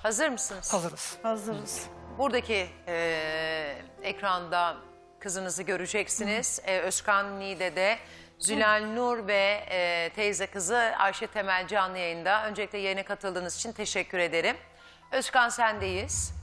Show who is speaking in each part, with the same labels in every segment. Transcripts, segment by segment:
Speaker 1: Hazır mısınız?
Speaker 2: Hazırız.
Speaker 3: Hazırız.
Speaker 1: Buradaki ekranda kızınızı göreceksiniz. Özkan Niğde'de Zülal Nur ve teyze kızı Ayşe Temel canlı yayında. Öncelikle yayına katıldığınız için teşekkür ederim. Özkan sendeyiz.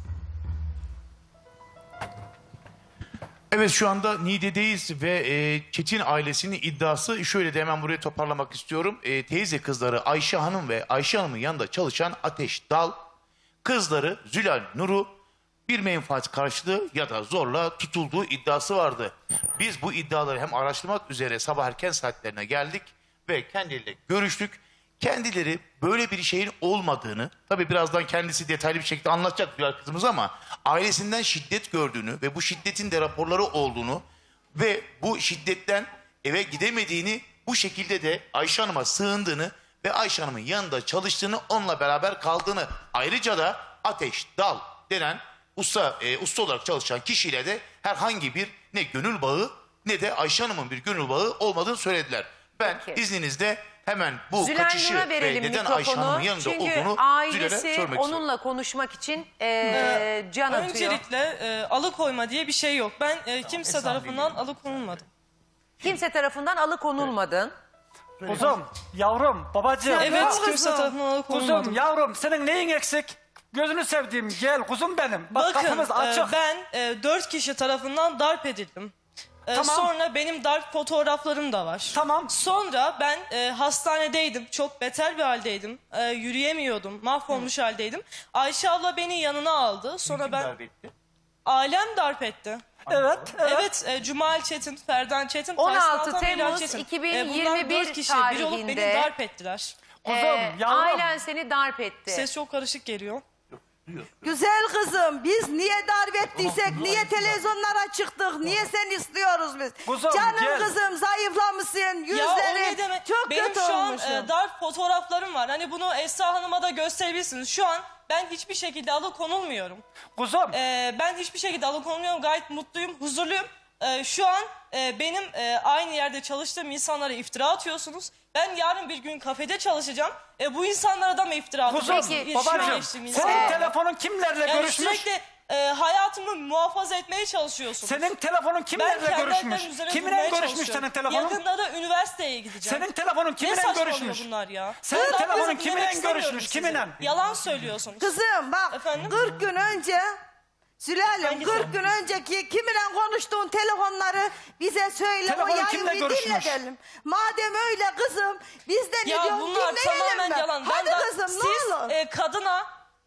Speaker 4: Evet, şu anda Niğde'deyiz ve Çetin ailesinin iddiası şöyle de hemen buraya toparlamak istiyorum. Teyze kızları Ayşe Hanım ve Ayşe Hanım'ın yanında çalışan Ateş Dal, kızları Zülal Nur'u bir menfaat karşılığı ya da zorla tutulduğu iddiası vardı. Biz bu iddiaları hem araştırmak üzere sabah erken saatlerine geldik ve kendileriyle görüştük. Kendileri böyle bir şeyin olmadığını, tabii birazdan kendisi detaylı bir şekilde anlatacak Zülal kızımız, ama ailesinden şiddet gördüğünü ve bu şiddetin de raporları olduğunu ve bu şiddetten eve gidemediğini, bu şekilde de Ayşe Hanım'a sığındığını ve Ayşe Hanım'ın yanında çalıştığını, onunla beraber kaldığını, ayrıca da Ateş Dal denen usta olarak çalışan kişiyle de herhangi bir ne gönül bağı ne de Ayşe Hanım'ın bir gönül bağı olmadığını söylediler. Ben izninizle hemen bu
Speaker 1: Zülal
Speaker 4: kaçışı
Speaker 1: Nur'a
Speaker 4: ve
Speaker 1: verelim
Speaker 4: neden Ayşe Hanım'ın yanında
Speaker 1: çünkü
Speaker 4: olduğunu Zülal'e
Speaker 1: ailesi
Speaker 4: sormak istiyorum.
Speaker 1: onunla konuşmak için can atıyor.
Speaker 3: Öncelikle alıkoyma diye bir şey yok. Ben kimse tarafından alıkonulmadım.
Speaker 1: Kimse tarafından alıkonulmadın.
Speaker 2: Kuzum, yavrum, babacığım.
Speaker 3: Evet, kimse tarafından alıkonulmadım.
Speaker 2: Kuzum, yavrum, senin neyin eksik? Gözünü sevdiğim, gel kuzum benim. Bak,
Speaker 3: Bakın
Speaker 2: kapımız açık.
Speaker 3: ben 4 kişi tarafından darp edildim.
Speaker 2: Tamam.
Speaker 3: Sonra benim darp fotoğraflarım da var.
Speaker 2: Tamam.
Speaker 3: Sonra ben hastanedeydim. Çok beter bir haldeydim. Yürüyemiyordum. Mahvolmuş haldeydim. Ayşe abla beni yanına aldı. Sonra ailem darp etti.
Speaker 2: Evet.
Speaker 3: Evet, Cumal Çetin, Ferdan Çetin,
Speaker 1: 16
Speaker 3: Tyson Altan,
Speaker 1: Temmuz
Speaker 3: Bilal Çetin.
Speaker 1: 2021
Speaker 3: bunlar 4 kişi biri olup beni
Speaker 1: tarihinde
Speaker 3: darp ettiler.
Speaker 2: Kuzum, yavrum.
Speaker 1: Ailen seni darp etti.
Speaker 3: Ses çok karışık geliyor.
Speaker 5: Güzel kızım, biz niye darp ettiysek, niye televizyonlara çıktık, niye sen istiyoruz biz?
Speaker 2: Kuzum,
Speaker 5: Canım
Speaker 2: gel.
Speaker 5: kızım, zayıflamışsın,
Speaker 3: Ya o ne
Speaker 5: yüzlerin
Speaker 3: demek?
Speaker 5: çok
Speaker 3: Benim
Speaker 5: kötü
Speaker 3: şu an
Speaker 5: olmuşsun.
Speaker 3: darp fotoğraflarım var. Hani bunu Esra Hanım'a da gösterebilirsiniz. Şu an ben hiçbir şekilde alıkonulmuyorum.
Speaker 2: Kuzum.
Speaker 3: Ben hiçbir şekilde alıkonulmuyorum. Gayet mutluyum, huzurluyum. Şu an benim aynı yerde çalıştığım insanlara iftira atıyorsunuz. Ben yarın bir gün kafede çalışacağım. Bu insanlara da mı iftira
Speaker 2: Kuzum,
Speaker 3: atıyorsunuz?
Speaker 1: Peki,
Speaker 2: babacığım, senin telefonun kimlerle
Speaker 3: Yani
Speaker 2: görüşmüş?
Speaker 3: sürekli hayatımı muhafaza etmeye çalışıyorsunuz.
Speaker 2: Senin telefonun kimlerle
Speaker 3: kendi
Speaker 2: görüşmüş?
Speaker 3: ayaklarımın üzerine
Speaker 2: Kiminle
Speaker 3: durmaya
Speaker 2: görüşmüş
Speaker 3: çalışıyorum.
Speaker 2: senin telefonun?
Speaker 3: Yakında da üniversiteye gideceğim.
Speaker 2: Senin telefonun
Speaker 3: Ne
Speaker 2: kiminle
Speaker 3: saçmalıyor
Speaker 2: görüşmüş?
Speaker 3: bunlar ya?
Speaker 2: Senin
Speaker 3: Ben
Speaker 2: telefonun
Speaker 3: lafınızı
Speaker 2: kiminle
Speaker 3: dinlemek istemiyorum
Speaker 2: görüşmüş?
Speaker 3: sizi.
Speaker 2: Kiminle?
Speaker 3: Yalan söylüyorsunuz.
Speaker 5: Kızım bak,
Speaker 3: Efendim?
Speaker 5: 40 gün önce, Sülalem,
Speaker 3: Hangisi?
Speaker 5: 40 gün önceki kiminle konuştuğun telefonları bize söyle,
Speaker 2: Telefonu
Speaker 5: o yayını
Speaker 2: kimle
Speaker 5: bir
Speaker 2: görüşmüş?
Speaker 5: dinletelim. Madem öyle kızım, biz de ne
Speaker 3: Ya
Speaker 5: diyorsun
Speaker 3: bunlar
Speaker 5: dinleyelim
Speaker 3: tamamen
Speaker 5: mi?
Speaker 3: yalan.
Speaker 5: Hadi
Speaker 3: Ben de-
Speaker 5: kızım,
Speaker 3: siz
Speaker 5: ne olur.
Speaker 3: kadına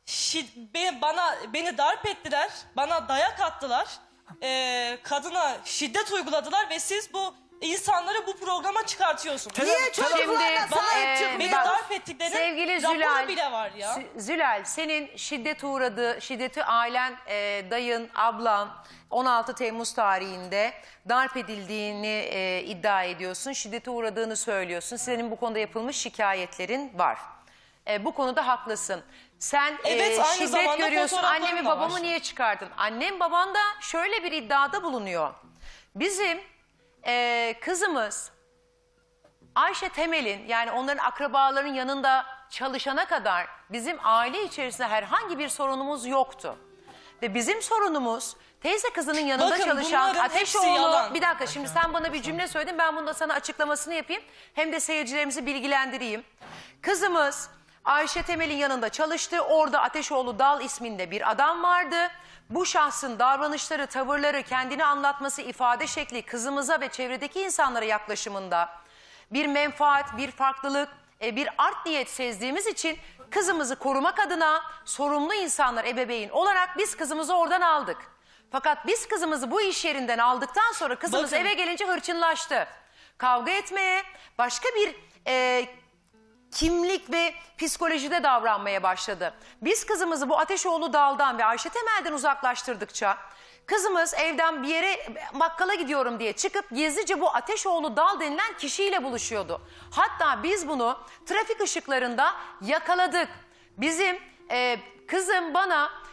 Speaker 3: beni darp ettiler. Bana dayak attılar. Kadına şiddet uyguladılar ve siz bu insanları bu programa çıkartıyorsunuz.
Speaker 5: Niye çocuklarına sahip
Speaker 3: Beni
Speaker 5: çıkmıyor?
Speaker 3: darp ettiklerinin
Speaker 1: Sevgili
Speaker 3: raporu
Speaker 1: Zülal,
Speaker 3: bile var ya.
Speaker 1: Zülal, senin şiddeti ailen, dayın, ablan 16 Temmuz tarihinde darp edildiğini iddia ediyorsun. Şiddete uğradığını söylüyorsun. Senin bu konuda yapılmış şikayetlerin var. Bu konuda haklısın. Sen
Speaker 3: Evet, aynı
Speaker 1: şiddet
Speaker 3: zamanda
Speaker 1: görüyorsun.
Speaker 3: fotoğraflarım
Speaker 1: Annemi
Speaker 3: da
Speaker 1: babamı
Speaker 3: var.
Speaker 1: niye çıkardın? Annem baban da şöyle bir iddiada bulunuyor. Bizim kızımız Ayşe Temel'in, yani onların akrabaların yanında çalışana kadar bizim aile içerisinde herhangi bir sorunumuz yoktu. Ve bizim sorunumuz teyze kızının yanında
Speaker 3: Bakın,
Speaker 1: çalışan
Speaker 3: bunların hepsi
Speaker 1: Ateşoğlu.
Speaker 3: yalan.
Speaker 1: Bir dakika, şimdi sen bana bir cümle söyledin, ben bunu da sana açıklamasını yapayım. Hem de seyircilerimizi bilgilendireyim. Kızımız Ayşe Temel'in yanında çalıştı. Orada Ateşoğlu Dal isminde bir adam vardı. Bu şahsın davranışları, tavırları, kendini anlatması, ifade şekli kızımıza ve çevredeki insanlara yaklaşımında bir menfaat, bir farklılık, bir art niyet sezdiğimiz için kızımızı korumak adına sorumlu insanlar, ebeveyn olarak biz kızımızı oradan aldık. Fakat biz kızımızı bu iş yerinden aldıktan sonra kızımız
Speaker 3: Bakın.
Speaker 1: eve gelince hırçınlaştı. Kavga etmeye, başka bir kimlik ve psikolojide davranmaya başladı. Biz kızımızı bu Ateşoğlu Dal'dan ve Ayşe Temel'den uzaklaştırdıkça kızımız evden bir yere bakkala gidiyorum diye çıkıp gizlice bu Ateşoğlu Dal denilen kişiyle buluşuyordu. Hatta biz bunu trafik ışıklarında yakaladık. Bizim kızım bana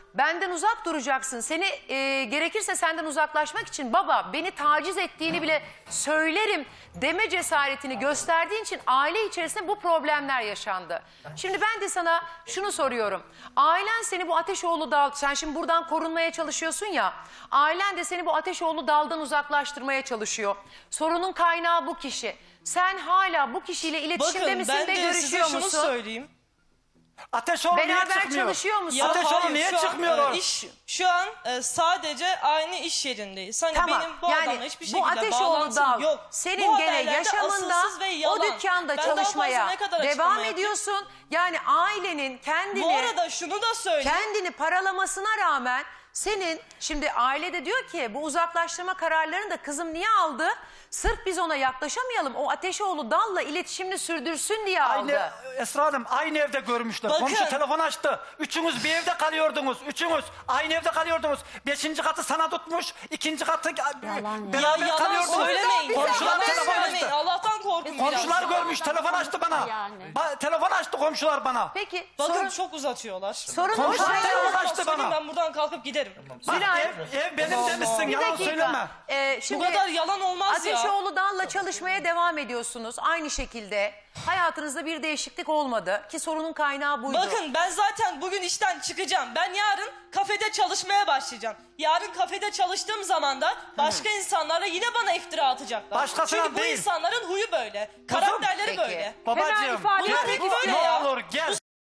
Speaker 1: benden uzak duracaksın. Seni gerekirse senden uzaklaşmak için baba beni taciz ettiğini bile söylerim deme cesaretini gösterdiğin için aile içerisinde bu problemler yaşandı. Şimdi ben de sana şunu soruyorum. Ailen seni bu Ateşoğlu Dal, sen şimdi buradan korunmaya çalışıyorsun ya. Ailen de seni bu Ateşoğlu Dal'dan uzaklaştırmaya çalışıyor. Sorunun kaynağı bu kişi. Sen hala bu kişiyle iletişimde
Speaker 3: Bakın
Speaker 1: misin
Speaker 3: ben
Speaker 1: ve
Speaker 3: de size
Speaker 1: görüşüyor
Speaker 3: şunu
Speaker 1: musun?
Speaker 3: söyleyeyim.
Speaker 2: Ateşoğlu niye
Speaker 1: Beraber
Speaker 2: çıkmıyor?
Speaker 1: çalışıyor musun?
Speaker 2: Ateşoğlu
Speaker 3: hayır,
Speaker 2: niye
Speaker 3: şu an,
Speaker 2: çıkmıyor o?
Speaker 3: Şu an sadece aynı iş yerindeyiz. Hani
Speaker 1: Tamam.
Speaker 3: benim bu adamla hiçbir
Speaker 1: bu
Speaker 3: şekilde
Speaker 1: Ateşoğlu
Speaker 3: bağlantım
Speaker 1: Dal
Speaker 3: yok.
Speaker 1: senin
Speaker 3: Bu
Speaker 1: gene
Speaker 3: haberlerde
Speaker 1: yaşamında
Speaker 3: asılsız ve yalan.
Speaker 1: o dükkanda
Speaker 3: Ben daha fazla
Speaker 1: çalışmaya
Speaker 3: ne kadar
Speaker 1: devam
Speaker 3: açıklama yapayım?
Speaker 1: ediyorsun. Yani ailenin kendini
Speaker 3: Bu arada şunu da söyleyeyim.
Speaker 1: kendini paralamasına rağmen senin şimdi ailede diyor ki bu uzaklaştırma kararlarını da kızım niye aldı? Sırf biz ona yaklaşamayalım. O Ateşoğlu Dal'la iletişimini sürdürsün diye aldı.
Speaker 2: Aynı Esra Hanım aynı evde görmüşler.
Speaker 3: Bakın.
Speaker 2: Komşu telefon açtı. Üçünüz bir evde kalıyordunuz. Üçünüz aynı evde kalıyordunuz. 5. katı sana tutmuş. 2. katı beraber
Speaker 3: Yalan
Speaker 2: kalıyordunuz.
Speaker 3: söylemeyin.
Speaker 2: Komşular
Speaker 3: Yalan
Speaker 2: telefon
Speaker 3: söylemeyin.
Speaker 2: açtı.
Speaker 3: Allah'tan korkun biraz.
Speaker 2: Komşular görmüş. Telefon açtı bana.
Speaker 6: Yani.
Speaker 2: Telefon açtı komşular bana.
Speaker 1: Peki
Speaker 3: Bakın
Speaker 1: sorun,
Speaker 3: çok uzatıyorlar.
Speaker 1: sorun
Speaker 2: Komşular
Speaker 1: o
Speaker 2: telefon
Speaker 1: kaynağı-
Speaker 2: açtı bana.
Speaker 3: Ben buradan kalkıp giderim.
Speaker 2: Bak,
Speaker 1: Zülal,
Speaker 2: ev benim demişsin.
Speaker 1: bir
Speaker 2: Yalan
Speaker 1: dakika.
Speaker 2: söyleme.
Speaker 3: Bu
Speaker 1: Şimdi
Speaker 3: kadar yalan olmaz ya.
Speaker 1: Ateşoğlu Dal'la çalışmaya devam ediyorsunuz. Aynı şekilde hayatınızda bir değişiklik olmadı ki sorunun kaynağı buydu.
Speaker 3: Bakın ben zaten bugün işten çıkacağım. Ben yarın kafede çalışmaya başlayacağım. Yarın kafede çalıştığım zaman da başka insanlara yine bana iftira atacaklar.
Speaker 2: Başkasına
Speaker 3: Çünkü bu
Speaker 2: değil.
Speaker 3: insanların huyu böyle. Karakterleri
Speaker 1: Peki.
Speaker 3: böyle.
Speaker 2: Babacığım.
Speaker 6: ifade
Speaker 3: Bunlar
Speaker 6: etmek
Speaker 3: hep böyle
Speaker 2: Ne
Speaker 3: ya.
Speaker 2: olur gel.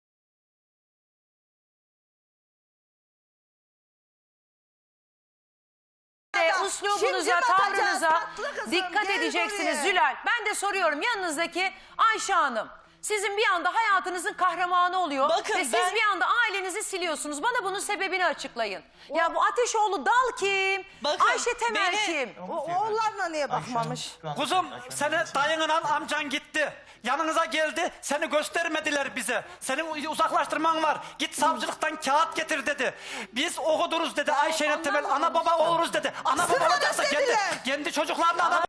Speaker 1: Uslubunuza,
Speaker 5: Şimdi batacağız,
Speaker 1: tavrınıza
Speaker 5: tatlı kızım,
Speaker 1: dikkat
Speaker 5: gel
Speaker 1: edeceksiniz
Speaker 5: buraya.
Speaker 1: Zülal. Ben de soruyorum yanınızdaki Ayşe Hanım. Sizin bir anda hayatınızın kahramanı oluyor
Speaker 3: Bakın
Speaker 1: ve siz
Speaker 3: ben-
Speaker 1: bir anda ailenizi siliyorsunuz. Bana bunun sebebini açıklayın. Ya bu Ateşoğlu Dal kim?
Speaker 3: Bakın,
Speaker 1: Ayşe Temel
Speaker 3: beni-
Speaker 1: kim?
Speaker 5: Oğullarına niye bakmamış?
Speaker 2: Kuzum seni dayınla amcan gitti. Yanınıza geldi. Seni göstermediler bize. Senin uzaklaştırman var. Git savcılıktan kağıt getir dedi. Biz okuduruz dedi. Ayşe'yle Temel ana baba oluruz dedi. Ana baba
Speaker 5: Sırada
Speaker 2: olacaksa kendi,
Speaker 5: dediler.
Speaker 2: kendi çocuklarına ana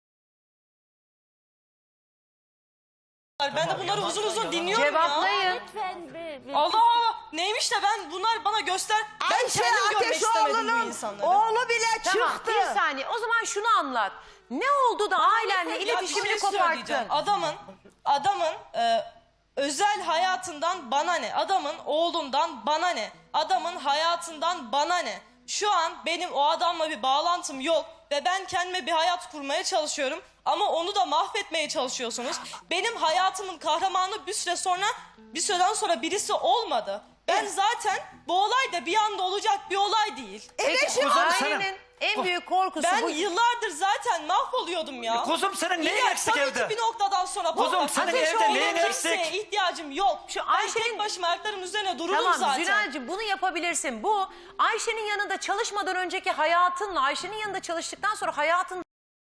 Speaker 3: Ben de bunları uzun uzun dinliyorum ya.
Speaker 1: Cevaplayın.
Speaker 6: Lütfen
Speaker 3: Allah Allah. Neymiş de ben bunlar bana göster. Ben
Speaker 5: Ayşe
Speaker 3: kendim görmek istemedim bu
Speaker 5: Ateşoğlu'nun
Speaker 3: insanları.
Speaker 5: oğlu bile
Speaker 1: Tamam
Speaker 5: çıktı.
Speaker 1: bir saniye o zaman şunu anlat. Ne oldu da ailenle
Speaker 3: Ya bir
Speaker 1: iletişimini
Speaker 3: şey
Speaker 1: koparttın?
Speaker 3: söyleyeceğim. Adamın özel hayatından bana ne? Adamın oğlundan bana ne? Adamın hayatından bana ne? Şu an benim o adamla bir bağlantım yok ve ben kendime bir hayat kurmaya çalışıyorum. Ama onu da mahvetmeye çalışıyorsunuz. Benim hayatımın kahramanı bir süreden sonra birisi olmadı. Ben zaten bu olay da bir anda olacak bir olay değil.
Speaker 1: Peki
Speaker 2: Kuzum,
Speaker 1: ailenin en büyük korkusu
Speaker 3: Ben
Speaker 1: bu.
Speaker 3: yıllardır zaten mahvoluyordum ya.
Speaker 2: Kuzum senin neyin
Speaker 3: İlla
Speaker 2: eksik
Speaker 3: tabii ki
Speaker 2: evde?
Speaker 3: bir noktadan sonra
Speaker 2: Kuzum,
Speaker 3: patlar.
Speaker 2: senin
Speaker 3: Ateş
Speaker 2: evde
Speaker 3: olan
Speaker 2: neyin
Speaker 3: kimseye
Speaker 2: eksik?
Speaker 3: ihtiyacım yok.
Speaker 1: Şu
Speaker 3: Ben
Speaker 1: Ayşe'nin-
Speaker 3: tek başıma ayaklarımın üzerine dururum
Speaker 1: Tamam
Speaker 3: zaten.
Speaker 1: Zülal'cığım bunu yapabilirsin. Bu Ayşe'nin yanında çalışmadan önceki hayatınla Ayşe'nin yanında çalıştıktan sonra hayatın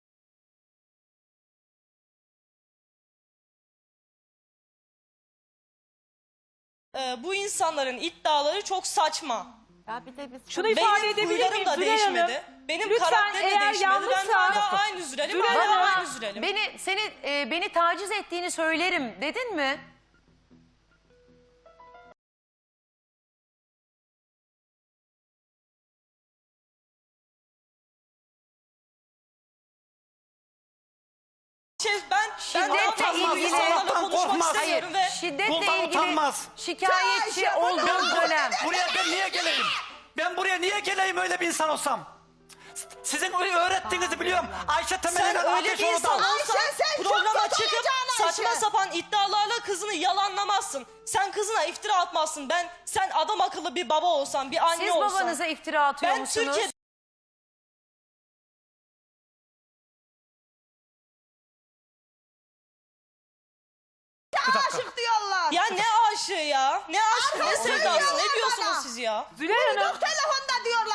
Speaker 3: Bu insanların iddiaları çok saçma.
Speaker 6: Ya bir de biz
Speaker 7: Şunu ifade
Speaker 3: Benim
Speaker 7: edebilir
Speaker 3: huylarım
Speaker 7: miyim
Speaker 3: da
Speaker 7: Zülal
Speaker 3: değişmedi.
Speaker 7: Hanım?
Speaker 3: Benim
Speaker 7: Lütfen,
Speaker 3: karakterim de
Speaker 7: eğer
Speaker 3: değişmedi. Ben
Speaker 7: yanlışsa-
Speaker 3: hala aynı Zülal'im.
Speaker 7: Zülal
Speaker 3: Hala
Speaker 7: Hanım,
Speaker 3: aynı Zülal'im.
Speaker 1: beni taciz ettiğini söylerim dedin mi?
Speaker 3: Ben
Speaker 1: Şiddetle
Speaker 3: daha fazla
Speaker 1: ilgili-
Speaker 3: insanlarla
Speaker 2: Allah'tan
Speaker 3: konuşmak
Speaker 2: korkmaz.
Speaker 3: istemiyorum
Speaker 1: Hayır,
Speaker 3: ve
Speaker 1: şiddetle
Speaker 2: Kuldan
Speaker 1: ilgili
Speaker 2: utanmaz.
Speaker 1: şikayetçi
Speaker 5: Ayşe,
Speaker 1: olduğun dönem.
Speaker 2: Buraya ben niye geleyim? Ben buraya niye geleyim öyle bir insan olsam? Sizin öğrettiğinizi biliyorum. Ayşe Temel'e
Speaker 3: sen öyle bir
Speaker 2: Ateşoğlu
Speaker 3: insan
Speaker 2: da.
Speaker 3: olsan
Speaker 5: Ayşe, sen çok
Speaker 3: programa
Speaker 5: kötü
Speaker 3: çıkıp
Speaker 5: olacaksın Ayşe.
Speaker 3: saçma sapan iddialarla kızını yalanlamazsın. Sen kızına iftira atmazsın. Sen adam akıllı bir baba olsan, bir anne
Speaker 1: Siz
Speaker 3: olsan.
Speaker 1: babanıza iftira atıyor
Speaker 3: Ben
Speaker 1: musunuz?
Speaker 3: Türkiye
Speaker 5: Aşık diyorlar.
Speaker 3: Ya ne aşığı ya? Ne aşkı, ne sevdası? Ne diyorsunuz
Speaker 5: bana.
Speaker 3: siz ya?
Speaker 7: Zülal Hanım.
Speaker 5: Telefonda diyorlar.